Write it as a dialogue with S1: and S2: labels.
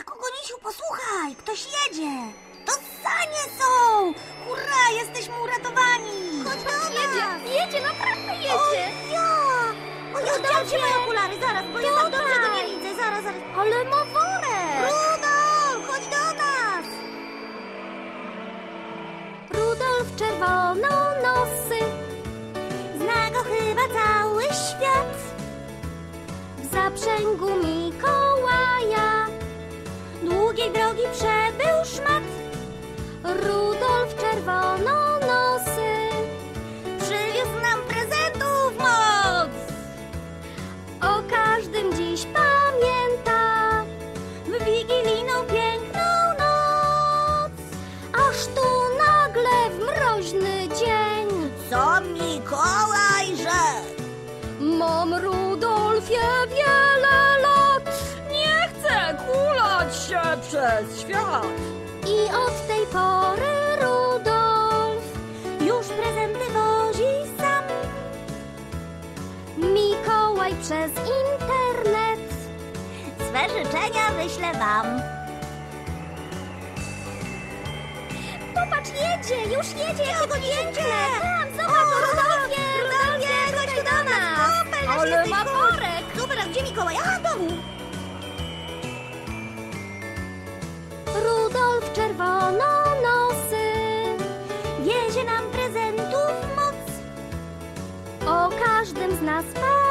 S1: Kogonisiu, posłuchaj, ktoś jedzie. To sanie są! Hurra, jesteśmy uratowani! Chodź do nas!
S2: Jedzie, naprawdę
S1: O
S2: jedzie!
S1: ja! O ja, chciałam się moje okulary, zaraz, bo ja tak dobrze go nie widzę, zaraz.
S2: Ale ma worek!
S1: Rudolf, chodź do nas!
S2: Rudolf czerwononosy,
S1: Zna go chyba cały świat.
S2: w zaprzęgu Mikołaja
S1: Długiej drogi przebył szmat.
S2: Rudolf czerwononosy
S1: Przywiózł nam prezentów moc.
S2: o każdym dziś pamięta
S1: W wigilijną piękną noc.
S2: aż tu nagle w mroźny dzień.
S1: Co Mikołaj rzekł?
S2: Mam, Rudolfie, wiele lat
S3: Nie chcę kulać się przez świat.
S2: i od tej pory Rudolf
S1: Już prezenty wozi sam.
S2: Mikołaj przez internet
S1: Swe życzenia wyślę wam.
S2: Popatrz, jedzie, już jedzie, jakie to piękne! Tam,
S1: O,
S2: zobacz, Rudolfie!
S1: Rudolfie, chodź tu do nas! Super, nasz
S3: Ale
S1: jesteś
S3: ma
S1: cool.
S3: worek.
S1: Super, a gdzie Mikołaj? A, w domu!
S2: Rudolf czerwononosy
S1: Wiezie nam prezentów moc.
S2: o każdym z nas